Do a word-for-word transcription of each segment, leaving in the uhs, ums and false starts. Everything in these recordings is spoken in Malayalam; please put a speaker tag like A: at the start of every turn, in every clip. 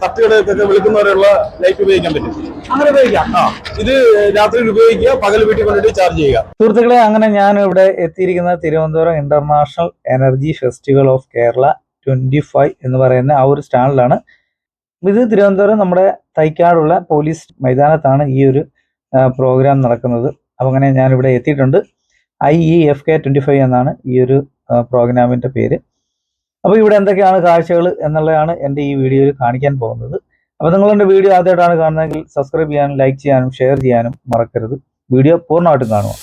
A: തട്ടുകടയൊക്കെ വിളിക്കുന്നവരെയുള്ള ലൈറ്റ് ഉപയോഗിക്കാൻ പറ്റും.
B: അങ്ങനെ ഉപയോഗിക്കാം.
A: ആ ഇത് രാത്രിയിൽ ഉപയോഗിക്കുക, പകൽ വീട്ടിൽ കൊണ്ടിട്ട് ചാർജ് ചെയ്യുക.
B: സുഹൃത്തുക്കളെ, അങ്ങനെ ഞാൻ ഇവിടെ എത്തിയിരിക്കുന്ന Thiruvananthapuram international energy festival of Kerala twenty five എന്ന് പറയുന്ന ആ ഒരു സ്റ്റാളിലാണ്. ഇത് തിരുവനന്തപുരം നമ്മുടെ തൈക്കാടുള്ള പോലീസ് മൈതാനത്താണ് ഈ ഒരു പ്രോഗ്രാം നടക്കുന്നത്. അപ്പം അങ്ങനെ ഞാനിവിടെ എത്തിയിട്ടുണ്ട്. I E F K twenty five എന്നാണ് ഈ ഒരു പ്രോഗ്രാമിൻ്റെ പേര്. അപ്പോൾ ഇവിടെ എന്തൊക്കെയാണ് കാഴ്ചകൾ എന്നുള്ളതാണ് എൻ്റെ ഈ വീഡിയോയിൽ കാണിക്കാൻ പോകുന്നത്. അപ്പോൾ നിങ്ങൾ എൻ്റെ വീഡിയോ ആദ്യമായിട്ടാണ് കാണുന്നതെങ്കിൽ സബ്സ്ക്രൈബ് ചെയ്യാനും ലൈക്ക് ചെയ്യാനും ഷെയർ ചെയ്യാനും മറക്കരുത്. വീഡിയോ പൂർണ്ണമായിട്ടും കാണുക.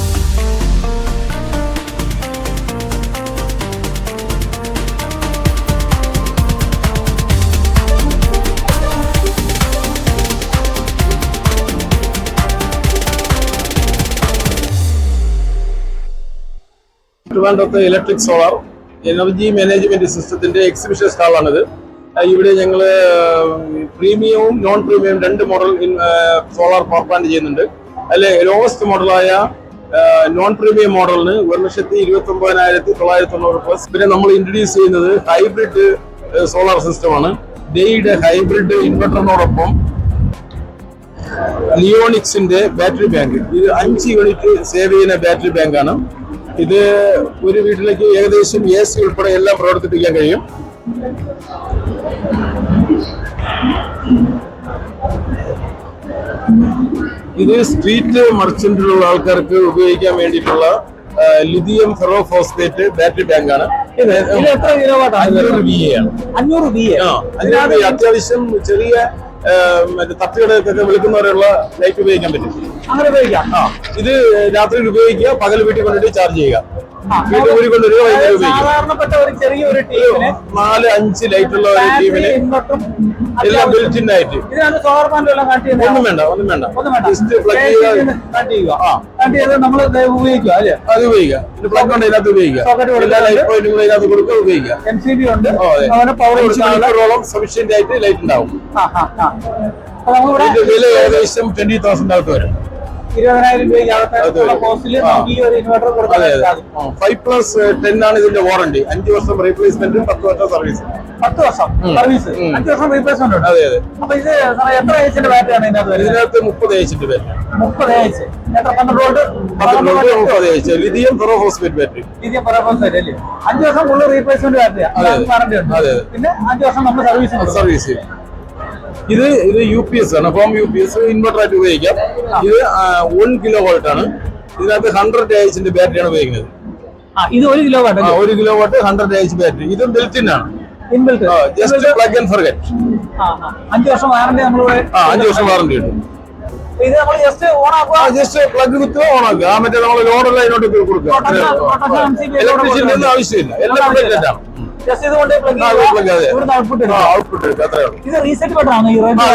A: ട്രിവാൻഡ്രത്തെ ഇലക്ട്രിക് സോളാർ എനർജി മാനേജ്മെന്റ് സിസ്റ്റത്തിന്റെ എക്സിബിഷൻ സ്റ്റാളാണിത്. ഇവിടെ ഞങ്ങൾ പ്രീമിയവും നോൺ പ്രീമിയവും രണ്ട് മോഡൽ സോളാർ പവർ പ്ലാന്റ് ചെയ്യുന്നുണ്ട്. അതിൽ ലോവസ്റ്റ് മോഡലായ നോൺ പ്രീമിയം മോഡലിന് ഒരു ലക്ഷത്തി ഇരുപത്തി ഒമ്പതിനായിരത്തി തൊള്ളായിരത്തി തൊണ്ണൂറ് പ്ലസ്. പിന്നെ നമ്മൾ ഇൻട്രൊഡ്യൂസ് ചെയ്യുന്നത് ഹൈബ്രിഡ് സോളാർ സിസ്റ്റമാണ്. ഡെയുടെ ഹൈബ്രിഡ് ഇൻവെർട്ടറിനോടൊപ്പം ലിയോണിക്സിന്റെ ബാറ്ററി ബാങ്ക്. ഇത് അഞ്ച് യൂണിറ്റ് സേവ് ചെയ്യുന്ന ബാറ്ററി ബാങ്കാണ്. ഇത് ഒരു വീട്ടിലേക്ക് ഏകദേശം എ സി ഉൾപ്പെടെ എല്ലാം പ്രവർത്തിപ്പിക്കാൻ കഴിയും. ഇത് സ്ട്രീറ്റ് മർച്ചന്റിലുള്ള ആൾക്കാർക്ക് ഉപയോഗിക്കാൻ വേണ്ടിയിട്ടുള്ള ലിഥിയം ഫെറോഫോസ്ഫേറ്റ് ബാറ്ററി ബാങ്കാണ്. അഞ്ഞൂറ് വി എ ആണ്.
B: അഞ്ഞൂറ് വി എ
A: അതിനകത്ത് അത്യാവശ്യം ചെറിയ മറ്റേ തട്ടുകടയൊക്കെ വിളിക്കുന്നവരെയുള്ള ലൈറ്റ് ഉപയോഗിക്കാൻ പറ്റും.
B: അങ്ങനെ ഉപയോഗിക്കാം.
A: ആ ഇത് രാത്രിയിൽ ഉപയോഗിക്കുക, പകൽ വീട്ടിൽ കൊണ്ടിട്ട് ചാർജ് ചെയ്യുക. വീട്ടിൽ ഊരി കൊണ്ടുവരിക, വൈകുന്നേരം ഉപയോഗിക്കുക.
B: സാധാരണപ്പെട്ട ഒരു ചെറിയൊരു ടീമിന്
A: നാല് അഞ്ച് ലൈറ്റുള്ള ഒരു ടീമിന് എല്ലാം ബിൽറ്റ് ഇൻ ആയിട്ട്.
B: സോളാർ പാനൽ എല്ലാം കണക്ട് ചെയ്യുന്നത്
A: ഒന്നും വേണ്ട ഒന്നും വേണ്ട ജസ്റ്റ് പ്ലഗ്
B: ചെയ്യുക, നമ്മൾ ഉപയോഗിക്കുക അല്ലേ? അത്
A: ഉപയോഗിക്കുക. പിന്നെ പ്ലഗ് ഉണ്ട്, ഇതിനകത്ത് ഉപയോഗിക്കുക. എല്ലാ ലൈറ്റ് പോയിന്റുകളും ഇതിനകത്ത് കൊടുക്കുക, ഉപയോഗിക്കുക.
B: എം സി ബി ഉണ്ട്,
A: പവർ സഫീഷ്യന്റ് ആയിട്ട് ലൈറ്റ് ഉണ്ടാവും. വില ഏകദേശം ട്വന്റി തൗസൻഡ് അകത്ത് വരും.
B: ഇരുപതിനായിരം
A: ഫൈവ് പ്ലസ് ടെൻ ആണ് ഇതിന്റെ വാറണ്ടി. അഞ്ചു വർഷം റീപ്ലേസ്മെന്റും പത്ത് വർഷം സർവീസ്.
B: പത്ത് വർഷം സർവീസ്, അഞ്ചു വർഷം റീപ്ലേസ്മെന്റ് ഉണ്ട്.
A: അതെ അതെ.
B: അപ്പൊ ഇത് എത്ര ഏച്ചിന്റെ ബാറ്ററിയാണ് ഇതിനകത്ത്?
A: ഇതിനകത്ത് മുപ്പത് ഏച്ചിന്റെ ബാറ്ററി.
B: മുപ്പത് ഏച്ച് എത്ര? പന്ത്രണ്ട് വോൾട്ട്
A: മുപ്പത് H lithium ferrophosphate battery.
B: Lithium ferrophosphate അല്ലേ? അഞ്ചു വർഷം ഫുള്ള് റീപ്ലേസ്മെന്റ് ബാറ്ററിയാണ്, വാറണ്ടി ഉണ്ട്. പിന്നെ അഞ്ചു വർഷം നമ്മൾ സർവീസ്
A: സർവീസ് ഇത് ഇത് യു പി എസ് ആണ്, home U P S inverter ആയിട്ട് ഉപയോഗിക്കാം. ഇത് വൺ കിലോ വോൾട്ട് ആണ്. ഇതിനകത്ത് ഹൺഡ്രഡ് എച്ചിന്റെ ബാറ്ററിയാണ് ഉപയോഗിക്കുന്നത്.
B: ഇത് ഒരു കിലോ വാട്ട്
A: ഒരു kilo watt hundred H battery. ഇത് ബിൽറ്റ് ഇൻ ആണ്. Just plug and forget.
B: അഞ്ചു വർഷം വാറണ്ടി നമ്മൾ
A: അഞ്ചു വർഷം വാറണ്ടി ഉണ്ട്.
B: ഇത് നമ്മൾ ജസ്റ്റ് ഓൺ ആക്കുക,
A: ജസ്റ്റ് പ്ലഗ് കുത്തുക, ഓൺ ആക്കുക. ആ മറ്റേ നമ്മൾ ലോഡെല്ലാം ഇതിനോട്ട് കൊടുക്കുക. ഇലക്ട്രിസിറ്റി ഒന്നും ആവശ്യമില്ല, എല്ലാം ആണ്.
B: ഇത് റീസെറ്റ് ബട്ടൺ ആണ്.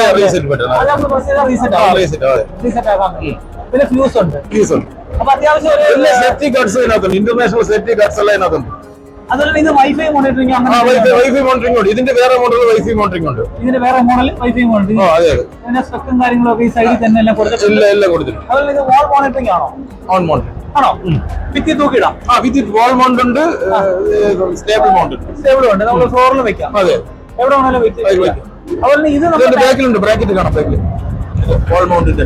B: പിന്നെ ഫ്യൂസ് ഉണ്ട്. അപ്പൊ അത്യാവശ്യം
A: സേഫ്റ്റി ഗാർഡ്സ് ഇതിനകത്തുണ്ട്, ഇന്റർനാഷണൽ സേഫ്റ്റി ഗാർഡ്സ് എല്ലാം ഇതിനകത്തുണ്ട്.
B: അതുപോലെ ഇത് വൈഫൈ മോണിറ്ററിംഗ്,
A: വൈഫൈ മോണിറ്ററിംഗ് ഉണ്ട്. ഇതിന്റെ വേറെ മോഡൽ വൈഫൈ മോണിറ്ററിംഗ് ഉണ്ട്.
B: ഇതിന്റെ വേറെ മോഡൽ വൈഫൈ മോണിറ്ററിംഗ്. പിന്നെ സ്പെക്കും കാര്യങ്ങളൊക്കെ ഈ സൈഡിൽ തന്നെ എല്ലാം കൊടുത്തിട്ടുണ്ട്.
A: എല്ലാം കൊടുത്തിട്ടുണ്ട്.
B: അതുപോലെ ഇത് വാൾ മോണിറ്ററിംഗ് ആണോ?
A: ഓൺ മോണിറ്ററിംഗ്
B: ആണോ? ഭിത്തി തൂക്കിടാം.
A: ആ ഭിത്തി വാൾ മൗണ്ട് ഉണ്ട്, സ്റ്റേബിൾ മൗണ്ട് ഉണ്ട്.
B: സ്റ്റേബിൾ ഉണ്ട്, നമുക്ക് ഫ്ലോറിൽ വെക്കാം.
A: അതെ,
B: എവിടെ വേണേലും വെക്കാം. അതുപോലെ ഇത്
A: നമ്മുടെ ബാക്കിലുണ്ട്, ബ്രാക്കറ്റ് കാണാം ബാക്കിൽ വാൾ മൗണ്ടിന്റെ.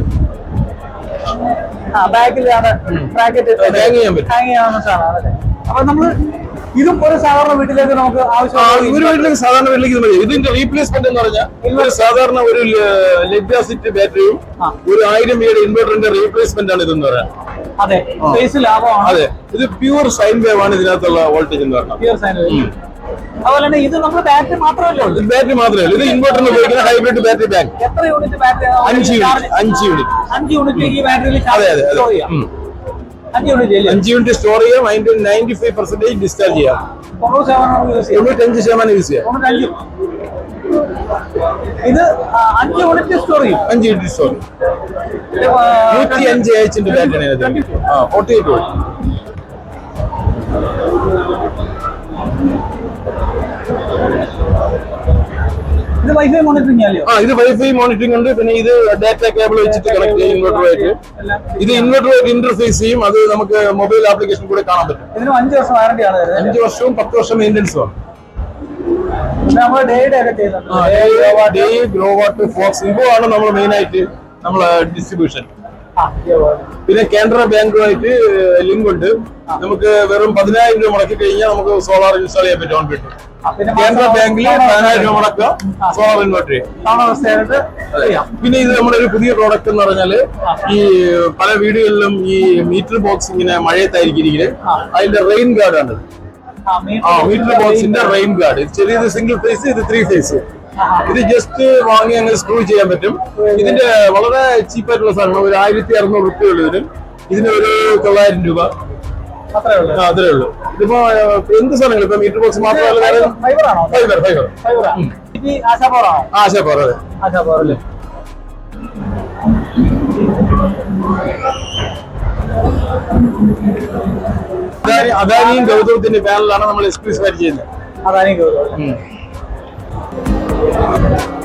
B: ആ ബാക്കിലാണ് ബ്രാക്കറ്റ് ഹാങ് ചെയ്യാൻ പറ്റും, ഹാങ് ചെയ്യാവുന്ന സാധനമാണ്. അപ്പൊ നമ്മള് ഇതും ഒരു സാധാരണ വീട്ടിലേക്ക് നമുക്ക് ആവശ്യമാണ്.
A: ഒരു വീട്ടിലേക്ക് സാധാരണ വീട്ടിലേക്ക് ഇത് മതി. ഇതിന്റെ റീപ്ലേസ്മെന്റ് എന്ന് പറഞ്ഞാൽ ഒരു സാധാരണ ഒരു ലെഡ് ആസിഡ് ബാറ്ററിയും ഒരു ആയിരം വീട് ഇൻവെർട്ടറിന്റെ റീപ്ലേസ്മെന്റ് ആണ് ഇതെന്ന് പറയാം.
B: അതെ, സ്പേസ് ലാഭമാണ്.
A: അതെ, ഇത് പ്യൂർ സൈൻ വേവ് ആണ് ഇതിനകത്തുള്ള വോൾട്ടേജ് എന്ന് പറഞ്ഞാൽ.
B: Pure sine wave. അതുപോലെ തന്നെ ഇത് നമ്മുടെ ബാറ്ററി മാത്രമല്ലേ ഉള്ളൂ?
A: ബാറ്ററി മാത്രമേ ഉള്ളൂ. ഇത് ഇൻവെർട്ടറിന് ഉപയോഗിക്കുന്ന ഹൈബ്രിഡ് ബാറ്ററി ബാങ്ക്.
B: എത്ര യൂണിറ്റ് ബാറ്ററി?
A: അഞ്ച് യൂണിറ്റ്. അഞ്ച് യൂണിറ്റ്
B: അഞ്ച് യൂണിറ്റ് ഈ ബാറ്ററിയിൽ
A: അതെ അതെ അതെ
B: അഞ്ച് യൂണിറ്റ്
A: അഞ്ച് യൂണിറ്റ് സ്റ്റോർ ചെയ്യാം. അതിന്റെ നയൻറ്റി ഫൈവ് പെർസെന്റേജ് ഡിസ്ചാർജ് ചെയ്യാം. തൊണ്ണൂറ്റഞ്ച് ശതമാനം യൂസ് ചെയ്യാം.
B: ഇത് അഞ്ച് യൂണിറ്റ് സ്റ്റോർ ചെയ്യും.
A: അഞ്ച് യൂണിറ്റ് സ്റ്റോർ നൂറ്റി അഞ്ച് എച്ചിന്റെ ബാറ്ററി. ആ ഫോർട്ടി എയ്റ്റ് വോൾട്ട്.
B: ഇത് വൈഫൈ മോണിറ്ററിംഗ് അല്ലയോ?
A: ആ ഇത് വൈഫൈ മോണിറ്ററിംഗ് ഉണ്ട്. പിന്നെ ഇത് ഡാറ്റ കേബിൾ വെച്ചിട്ട് കണക്ട് ചെയ്യും ഇൻവെർട്ടറുമായിട്ട്. ഇത് ഇൻവെർട്ടറുമായിട്ട് ഇന്റർഫേസ് ചെയ്യും. അത് നമുക്ക് മൊബൈൽ ആപ്ലിക്കേഷൻ കൂടെ കാണാൻ പറ്റും.
B: ഇതിന് അഞ്ച് വർഷം വാറണ്ടി ആണ്.
A: അഞ്ച് വർഷവും പത്ത് വർഷം മെയിൻ്റെനൻസും ആണ്.
B: നമ്മൾ ഡേയുടെ ഒക്കെ ചെയ്യുന്നുണ്ട്.
A: Deye Growatt Fox Evo ആണ് നമ്മൾ മെയിൻ ആയിട്ട് നമ്മളെ ഡിസ്ട്രിബ്യൂഷൻ.
B: ആ,
A: പിന്നെ കാനറ ബാങ്കുമായിട്ട് ലിങ്ക് ഉണ്ട്. നമുക്ക് വെറും പതിനായിരം രൂപ മുടക്കി കഴിഞ്ഞാൽ നമുക്ക് സോളാർ ഇൻസ്റ്റാൾ ചെയ്യാൻ പറ്റും. ഓൺ പറ്റും. കാനറ ബാങ്കില് പതിനായിരം രൂപ മുടക്കുക, സോളാർ ഇൻവെർട്ടർ ചെയ്യാം. പിന്നെ ഇത് നമ്മുടെ ഒരു പുതിയ പ്രോഡക്റ്റ് എന്ന് പറഞ്ഞാല് ഈ പല വീടുകളിലും ഈ മീറ്റർ ബോക്സ് ഇങ്ങനെ മഴയത്തായിരിക്കും, അതിന്റെ റെയിൻ ഗാർഡ് ആണ്. ആ മീറ്റർ ബോക്സിന്റെ റെയിൻ ഗാർഡ്. ചെറിയത് സിംഗിൾ ഫേസ്, ഇത് ത്രീ ഫേസ്. ഇത് ജസ്റ്റ് വാങ്ങി അങ്ങ് സ്ക്രൂ ചെയ്യാൻ പറ്റും. ഇതിന്റെ വളരെ ചീപ്പായിട്ടുള്ള സാധനമാണ്. ഒരു ആയിരത്തി അറുന്നൂറ് റുപ്യ ഉള്ളൂ ഇതിന്. ഇതിന് ഒരു തൊള്ളായിരം രൂപ അത്രേ ഉള്ളൂ. ഇതിപ്പോ എന്ത് സാധനങ്ങൾ ഇപ്പൊ മീറ്റർ ബോക്സ് മാത്രമല്ല, ഫൈബർ ഫൈബർ ആശാപവർ. അതെ, അദാനിയും ഗൗതമത്തിന്റെ പാനലാണ് നമ്മൾ എക്സ്ക്ലൂസീവ് ആയിട്ട് ചെയ്യുന്നത്.
B: അദാനി ഗൗതം.